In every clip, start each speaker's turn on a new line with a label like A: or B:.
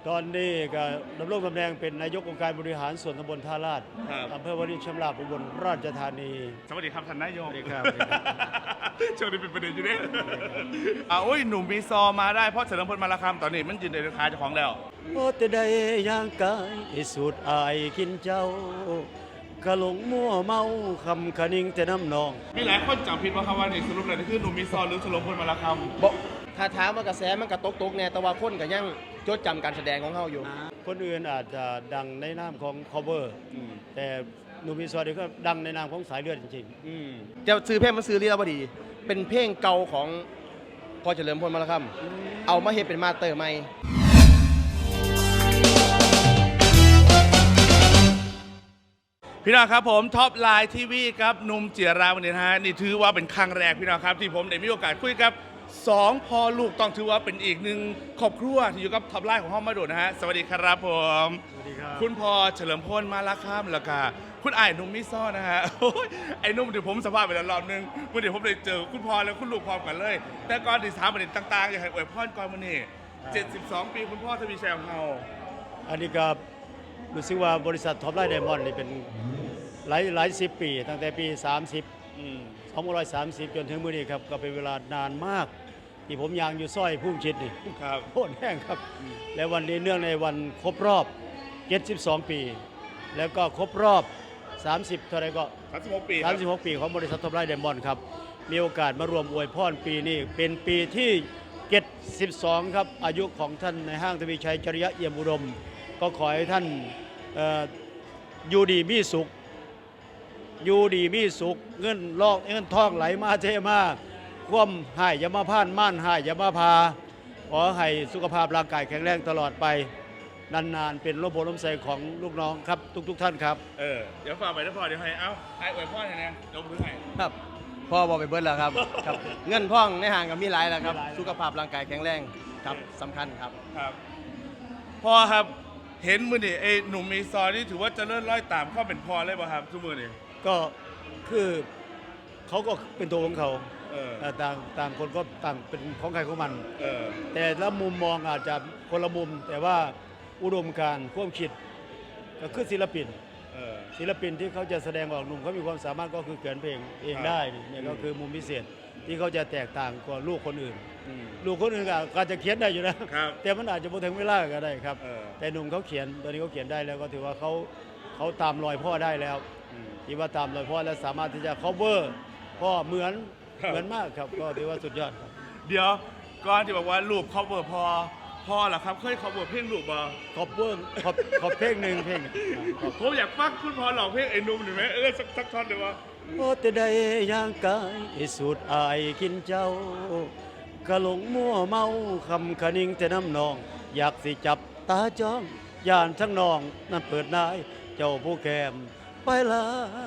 A: ตอนนี้ก็ดำรงตำแหน่งเป็นนายกองค์การบริหารส่วนตำบลท่าลาดอำเภอวารินชำราบอุบลราชธานี
B: สวัสดีครับท่านนายก
A: สวัสดีครับ
B: ช่วงนี้เป็นประเด็นอยู่เนี่ยโอ้ยหนุ่มมีซอมาได้เพราะเฉลิมพลมาราคำตอนนี้มันยืนในราคาเจ้าของแล้ว
A: โอ้แต่ได้ย่างกายสูดอายกินเจ้ากะหลงมั่วเมาคำคะนิงแต่น้ำนอง
B: มีหลายคนจำผิดว่าคำว่านี่สรุปแล้วนี่คือหนุ่มมีซอหรือเฉลิมพลมาราคำ
C: บอกถ้าถามว่ากระแสมันกระตกๆแน่แต่ว่าคนก็ยังจดจำการแสดงของเขาอยู่
A: คนอื่นอาจจะดังในนามของ cover แต่หนุ่มมีซอยก็ดังในนามของสายเลือดจริงๆ
C: จะซื้อเพลงมันซื้อลีลาวดี เป็นเพลงเก่าของพ่อเฉลิมพลมาละคำเอามาเฮ็ดเป็นมาสเตอร์ใหม่
B: พี่น้องครับผมท็อปไลน์ทีวีครับหนุ่มเจียราวันนี้นะฮะนี่ถือว่าเป็นครั้งแรกพี่น้องครับที่ผมได้มีโอกาสคุยกับ2พ่อลูกต้องถือว่าเป็นอีกหนึ่งครอบครัวที่อยู่กับท็อปไลน์ของห้องมาโดดนะฮะสวัสดีครับผม
A: สวัสดีครับ
B: คุณพ่อเฉลิมพลมาละคำแล้วก็คุณอ้ายหนุ่มมิซ้อนะฮะโอ้ยไอ้หนุ่มเดี๋ยวผมสัมภาษณ์ไปแล้วรอบนึงเมื่อเดี๋ยวผมได้เจอคุณพ่อแล้วคุณลูกพร้อมกันเลย แต่ก่อนที่ถามประเด็นต่างๆอยากให้อวยพรก่อนวันนี้72 ปีคุณพ่อทวีชัยของเรา
A: อันนี้ก็รู้สึกว่าบริษัทท็อปไลน์ไดมอนด์นี่เป็นหลายสิบปี ตั้งแต่ปี 2530 จนถึงมื้อนี้ครับก็เป็นเวลานานมาก ที่ผมยางอยู่สร้อยพุ่มชิดนี่
B: ครับ
A: โคตรแห้งครับ และวันนี้เนื่องในวันครบรอบ 72 ปี แล้วก็ครบรอบ 30 เท่าไรก็
B: 36 ปีครับ
A: 36 ปีของบริษัทท็อปไลน์ไดมอนด์ครับ มีโอกาสมารวมอวยพรปีนี้ เป็นปีที่ 72 ครับ อายุของท่านในห้างทวีชัยจริยะเอี่ยมอุดม ก็ขอให้ท่านอยู่ดีมีสุข อยู่ดีมีสุข เงินทองไหลมาเทมาคว่ำหายอยามาพ่านม่านหายอยามาพา ขอให้สุขภาพร่างกายแข็งแรงตลอดไป นานๆ เป็นร่มโพล่มใสของลูกน้องครับ ทุกท่านครับ
B: เดี๋ยวฝากไปนะพ่อเดี๋ยวให้เอ้าไอ้อวยพรให้นะยกมือให้
C: ครับพ่อบอกไปเบิดแล้วครับ ครับ เงินท่องในห่างกับมีหลายแล้วครับ สุขภาพร่างกายแข็งแรงครับสำคัญครับ
B: ครับพ่อครับเห็นมือนี่ไอ้หนุ่มมีซอยนี่ถือว่าเจะเลื่อนร้อยตามเข้าเป็นพ่อเลยป่ะครับทุกมือนี่
A: ก็คือเขาก็เป็นตัวของเขา
B: เออ
A: ต่างคนก็ต่างเป็นของใครของมัน
B: เออ
A: แต่ละมุมมองอาจจะคนละมุม แต่ว่าอุดมการณ์ความคิดก็คือศิลปิน
B: เออ
A: ศิลปินที่เขาจะแสดงออกหนุ่มเขามีความสามารถก็คือเขียนเพลงเองได้นี่เนี่ยก็คือมุมพิเศษที่เขาจะแตกต่างกว่าลูกคนอื่น ลูกคนอื่นก็อาจจะเขียนได้อยู่นะครับ แต่มันอาจจะบ่ถึงเวลาก็ได้ครับ
B: เออ
A: แต่หนุ่มเขาเขียนตอนนี้เขาเขียนได้แล้วก็ถือว่าเขาตามรอยพ่อได้แล้วที่ว่าตามรอยพ่อแล้วสามารถที่จะ cover พ่อเหมือนมากครับก็ถือว่าสุดยอดครับ
B: เดี๋ยวก่อนที่บอกว่าลูกเขาเบอร์พ่อเหรอครับเคยเขาเบอร์เพลงลูกบ่
A: ขอบเพลงหนึ่งเพลง
B: ผมอยากฟังคุณพ่อหลอกเพลงไอ้หนุ่มหน่อยไหมสักท่อนเลยวะ
A: โอ้แต่ได้ย่างกายสูดอายกินเจ้ากะหลงมั่วเมาคำคะนิงแต่น้ำนอง อยากสิจับตาจ้องย่านทั้งนองนั่นเปิดนายเจ้าผู้แกมไปละ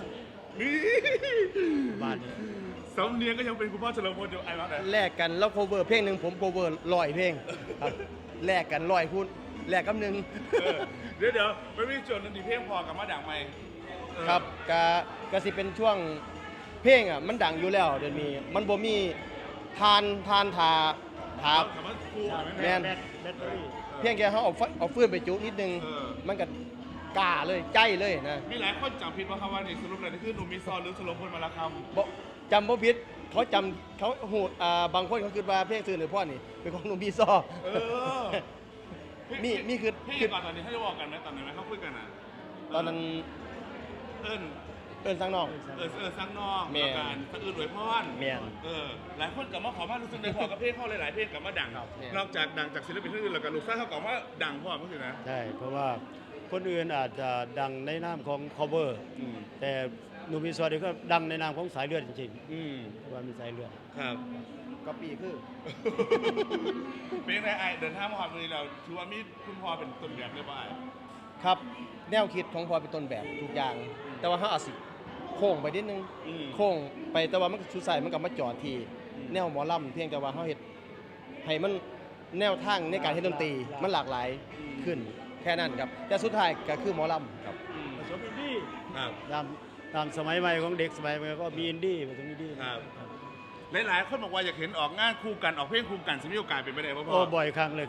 A: บ้านนี้
B: สำเนียงก็ยังเป็นคุณพ่อเฉลิมพลอยู่ไอ้บ้างไหน
C: แลกกันแล้วโคเวอร์เพลงหนึ่งผมโคเวอร์100 เพลงครับแลกกัน100พูดแลกกับหนึ่ง
B: เดี๋ยวไม่มีจุดหนึงที่เพลงพอกับมาดังไหม
C: ครับกสิเป็นช่วงเพลงอ่ะมันดังอยู่แล้วเดี๋ยวนี้มันบ่มีทานทา
B: ถามว่าครูไหม
C: แม่น
A: แบตเตอรี่
C: เพียงแค่เขาเอาฟืนไปจุนิดนึง มันก็กล้าเลยใจเลยนะ
B: มีหลายคนจำผิดว่าคำว่านี่สรุปแล้วนี่คือหนุ่มมีซอนหรือเฉลิมพลมาราคำ
C: บ่จำบ่ผิดเขาจำเขาหูดบางคนเขาคิดว่าเพลงซื่อหรือพ่อนี่เป็นของหนุ่มพี่ซอ
B: เออ
C: มีคือ
B: พี่ก่อนตอนนี้ให้จะบอกกันไหมตอนไหนไหมเขาคุยกันอ่ะ
C: ตอนนั้น
B: เอิ้น
C: เอิ้นสังนอก
B: สร้างนอก
C: แม่
B: แล้วการสะอื่นอวยพร
C: แม่น
B: หลายคนกลับมาขอมารู้สึกในพอกับเพลงเขาหลายๆเพลงกลับมาดัง
C: ครับแม่น
B: นอกจากดังจากศิลปินท่านอื่นแล้วก็ลูกสาวเขากลับมาดังพ่อเมื่อกี้นะ
A: ใช่เพราะว่าคนอื่นอาจจะดังในนามของ cover แต่หนุ่มมีซอยก็ดังในนามของสายเลือดจริงๆเพราะว่ามีสายเลือด
B: ครับ
C: ก็ปีคือ
B: เป็นไงไอเดินทางมาหอดมือเราถือว่ามีคุณพ่อเป็นต้นแบบเลยป่ะไอ
C: ครับแนวคิดของพอเป็นต้นแบบทุกอย่าง แต่ว่าเขาอาจสิโค้งไปนิดนึงโค้งไปแต่ว่ามันก็ชุดใส่มันก็มาจอดที่แนวหมอลำเพียงแต่ว่าเขาเฮ็ดให้มันแนวทางในการเฮ็ดดนตรีมันหลากหลายขึ้นแค่นั้นครับแต่สุดท้ายก็คือหมอลำครับ
A: ผสมอินดี้
B: ครับ
A: ตามสมัยใหม่ของเด็กสมัยใหม่ก็มีอินดี้ผสมอินดี้
B: ครับ หลายๆคนบอกว่าอยากเห็นออกงานคู่กันออกเพลงคู่กันจะมีโอกาสเป็นไปได้ป่ะพ่
A: โอ้
B: อ
A: บ่อยครั้งเลยครับ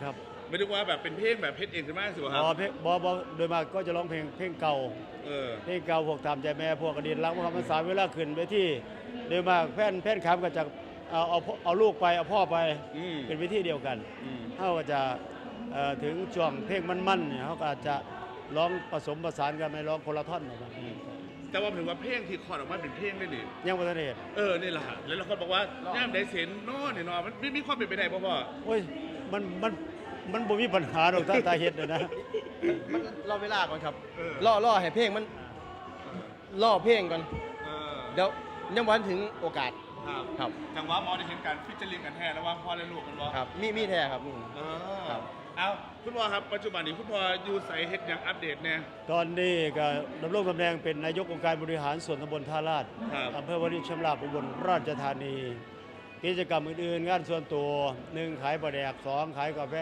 B: ไม่ได้ว่าแบบเป็นเพลงแบบเพชรเองใช่ไหมสิวะครับ
A: เพลงบอโดยมากก็จะร้องเพลงเก่า
B: เออ
A: เพลงเก่าพวกตามใจแม่พวกอดีตรักพวกคำภาษาเวลาขึ้นไปที่โดยมากแฟนคลับก็จะเอาลูกไปเอาพ่อไป
B: อืม
A: เป็นวิธีเดียวกัน
B: อืม
A: เขาก็จะถึงช่วงเพลงมันๆเนี่ยเขาก็อาจจะร้องผสมผสานกันไม่ร้องคนละท่อนออกมา
B: แต่ว่าถึงว่าเพลงที่คอร์ดออกมาเป็นเพลงได้ดิ
A: ยังประเทศ
B: นี่แหละแล้วเราคนบอกว่าย่ามได้เซนนอนเนี่ยนอนมันมีความเป็นไปได้ป่ะพ่อ
A: โอ้ยมันบ่มีปัญหาหรอกถ้าตาเห็ดเนี่ยนะ
C: มันรอเวลาก่อนครับ
B: เออ
C: รอให้เพลงมันรอเพลงก่อน
B: เออ
C: เดี๋ยวยังวันถึงโอกาส
B: ครับ
C: ครับ
B: จังหวะหมอได้เห็นการฟิชเชอร์ลิงกันแท้แล้วว่าพ่อและลูกกันบ่
C: ครับมีแท้ครับมี
B: เอ
C: ครั
B: อบ เอาคุณพ่อครับปัจจุบันนี้คุณพ่ออยู่ใส่เฮ็ดอย่างอัปเดตเนี่ย
A: ตอนนี้ก็ดำรงตำแหน่งเป็นนายกองค์การบริหารส่วนตำบลท่าลาด
B: ครับ
A: อำเภอวารินชำราบอุบลราชธานี กิจกรรมอื่นๆงานส่วนตัว 1 ขายปลาแดก 2 ขายกาแฟ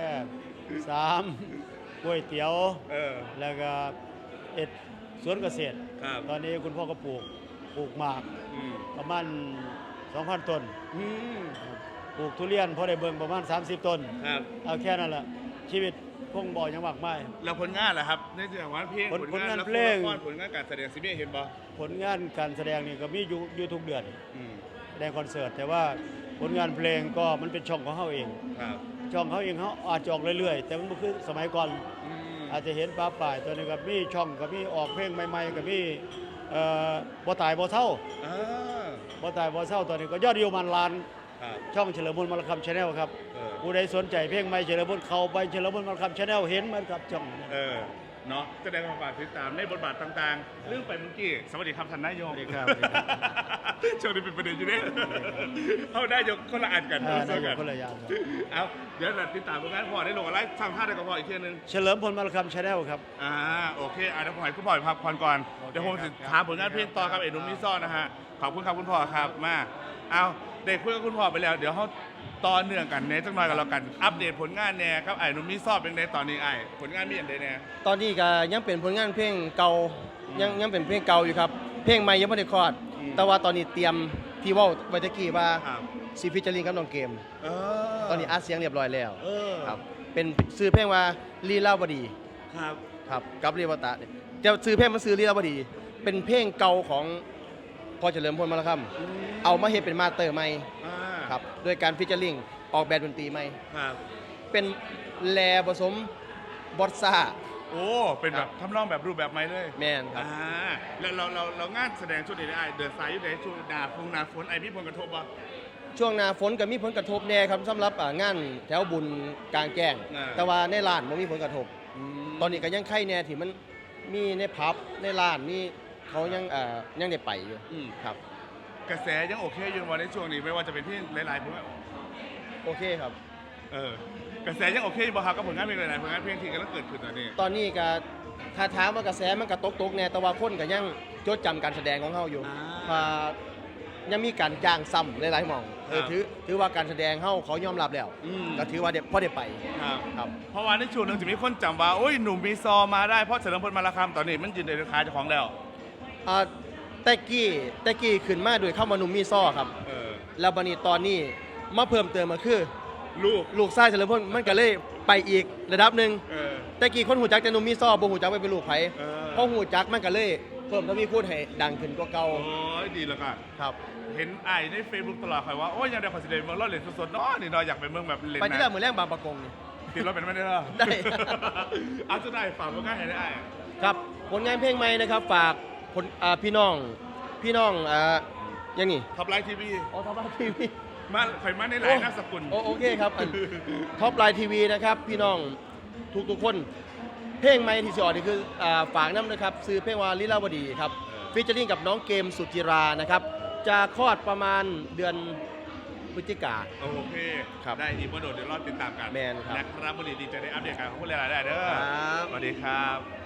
A: 3 ก๋วยเตี๋ยว
B: เออ
A: แล้วก็สวนเกษตร
B: ครับ
A: ตอนนี้คุณพ่อก็ปลูกหมาก
B: อืม
A: ประมาณ 2,000 ต้น
B: อืม
A: ปลูกทุเรียนพอได้เบิ่งประมาณ 30 ต้น
B: ครับ
A: เอาแค่นั้นแหละชีวิตคงบ่ยังมากมาย
B: แล้วผลงานล่ะครับในเรื่องของเพลง
A: ผลงาน
B: ละคร
A: เพลง
B: ละครผลงานการแสดงซีรีส์เห็นบ่
A: ผลงานการแสดงนี่ก็มีอยู่ทุกเดือน
B: อืม
A: แสดงคอนเสิร์ตแต่ว่าผลงานเพลงก็มันเป็นช่องของเขาเอง
B: ครับ
A: ช่องเขาเองเขาอาจจะออกเรื่อยๆ แต่มันบ่คือสมัยก่อน
B: อืม
A: อาจจะเห็นป้าป่ายตัวนี้กับมีช่องกับมีออกเพลงใหม่ๆกับมีบ่ตายบ่เศร้า
B: อ่า
A: บ่ตายบ่เศร้าตอนนี้ก็ยอดวิวมันล้าน
B: ครับ
A: ช่องเฉลิมพลมรคำชาแนลครับ
B: เออ
A: ผู้ใดสนใจเพลงใหม่เฉลิมพลเข้าไปเฉลิมพลมรคำชาแนลเห็นมันครับช่อง
B: เนาะแสดงความฝากติดตามในบทบาทต่างๆ เรื่องไปเมื่อกี้สวัสดีครับท่านนายก
A: สวัสดีครับ
B: ช่วงนี้เป็นประเด็นอยู่เนี่ยเอาได้ยกคนละอันกัน
A: นาย
B: เจอก กัน
A: คนละอย่างครับ
B: เอาเดี๋ยวเราติดตามผลงานพ่อได้ลงอะไรสั่งท่าได้กับพ่ออีกทีนึง
A: เฉลิมพลมรคำชาแนลครับ
B: โอเคเดี๋ยวผมให้คุณพ่อพักผ่อนก่อน
A: โอเค
B: เดี๋ยวผม
A: ครั
B: จะ
A: บ
B: ถามผลงานเพลงต่อครับเอ็นุ่มมิซ่อนนะฮะขอบคุณครับคุณพ่อครับมาเอาเด็กคุยกับคุณพ่อไปแล้วเดี๋ยวเขาต่อเนื่องกันเนจังหน่อยกันแล้วกันอัปเดตผลงานแน่ครับไอ้หนุ่มมิซ่อนเป็นในตอนนี้ไอ้ผลงานมีอย่างไรแน่
C: ตอนนี้ก็ยังเป็นผลงานเพลงเก่ายังเป็นเพลงเก่าอยู่ครับ เพลงใหม่ยังไม่ได้คลอด
B: อืม
C: แต่ว่าตอนนี้เตรียมที่เว่าไว้ตะกี้ว่า
B: ครับ
C: ซีฟิชเจอริงกับน้องเกม
B: เอ
C: ตอนนี้อัดเสียงเรียบร้อยแล้ว
B: เออ
C: ครับเป็นซื้อเพลงว่าลีลาวดี
B: ครับ
C: ครับกับเรียวตะเนี่ยจะซื้อเพลงมาซื้อลีลาวดี เป็นเพลงเก่าของพ่อเฉลิมพลมาแล้วครับเอามาเฮ็ดเป็นมาสเตอร์ใหม่
B: อ่า
C: ครับโดยการฟิชเจอริงออกแบบดนตรีใหม่
B: ครับ
C: เป็นแลผสมบอสซ่า
B: โอ้เป็นแบบทำนองแบบรูปแบบใหม่เลย
C: แมนครับ
B: แล้วเรางานแสดงชุดนี้ได้เดินสายอยู่ในช่วงหนาฝนไอพี่ผลกระทบบ่
C: ช่วงหน้าฝนก็มีผลกระทบแน่ครับสำหรับงานแถวบุญกลางแจ้ง แต่ว่าในร้านมันมีผลกระทบ ตอนนี้ก็ยังไข่แน่ที่มันมีในผับในร้านนี่เขายังได้ไปอยู่
B: อืม
C: ครับ
B: กระแสยังโอเคอยู่วันในช่วงนี้ไม่ว่าจะเป็นที่หลายๆผมว่า
C: โอเคครับ
B: กระแสยังโอเคอยู่บ่ครับกับผลงานเพลงหลายๆผลงานเพลงที่กำลังเกิดขึ้นตอนนี้
C: ตอนนี้ก็ถ้าถามว่ากระแสมันก็ตกแน่แต่ว่าคนก็ยังจดจำการแสดงของเขาอยู่ยังมีการจ้างซ้ำหลายๆหม่องถือว่าการแสดงเขายอมรับแล้ว ก็ถือว่าพอได้ไป
B: ครับ
C: ครับ
B: เพราะว่าในช่วงหนึงจะมีคนจำว่าโอ้ยหนุ่มมีซอมาได้เพราะเฉลิมพลมาราคำตอนนี้มันยืนในราคาเจ้าของแล้ว
C: แต่กี้ขึ้นมาโดยเข้ามานุ่มมีซ้อครับ แล้วบัดนี้ตอนนี้มาเพิ่มเติมมาคือ ลูกชายเฉลิมพลมันก็เลยไปอีกระดับหนึ่ง
B: เออ
C: แต่กี้คนหูจักแต่นุ่มมีซ้อบ่หูจักไปเป็นลูกไผ
B: เออ
C: เพราะหูจักมันก็เลยเพิ่มทวีคูณให้ดังขึ้นกว่าเก่า
B: โอ้ยดีแล้วกัน
C: ครับ
B: เห็นไอ้ใน Facebook ตลอดคอยว่า โอ้ยยังได้คอนเสิร์ตเมืองรอดเหรียญสดๆเนาะนี่เนาะอยากไปเมืองแบบเล่น
C: ไปที่
B: นะ
C: แรกเหมือนแรกบางประกงนี่
B: ติดรถเป็นไม่ได้เหรอ
C: ได้
B: เอาจะได้ฝากผลงานให้ได้ไอ้
C: ครับผลงานเพลงใหม่นะครับฝากพี่น้องยังนี่
B: ท็อปไลน์ทีวี
C: อ๋อท็อปไลน์ทีวี
B: มาข่อยมาในหลายนามสกุล
C: โอเคครับท็อปไลน์ทีวีนะครับพี่น้องทุกคน เพลงใหม่ที่สิออกนี่คือฝากน้ำนะครับซื้อเพลงว่าลีลาวดีครับฟีเจอริ่งกับน้องเกมสุจิรานะครับจะคลอดประมาณเดือนพฤศจิกา
B: โอเค
C: ครับ
B: ได้อีกว่าโดดเดี๋ยวรอติดตามกัน
C: แมนครับ
B: นะครับวันนี้ดีใจได้อัปเดตการของผู้เล่นหลายๆเด้อ
C: ครับ
B: สวัสดีครับ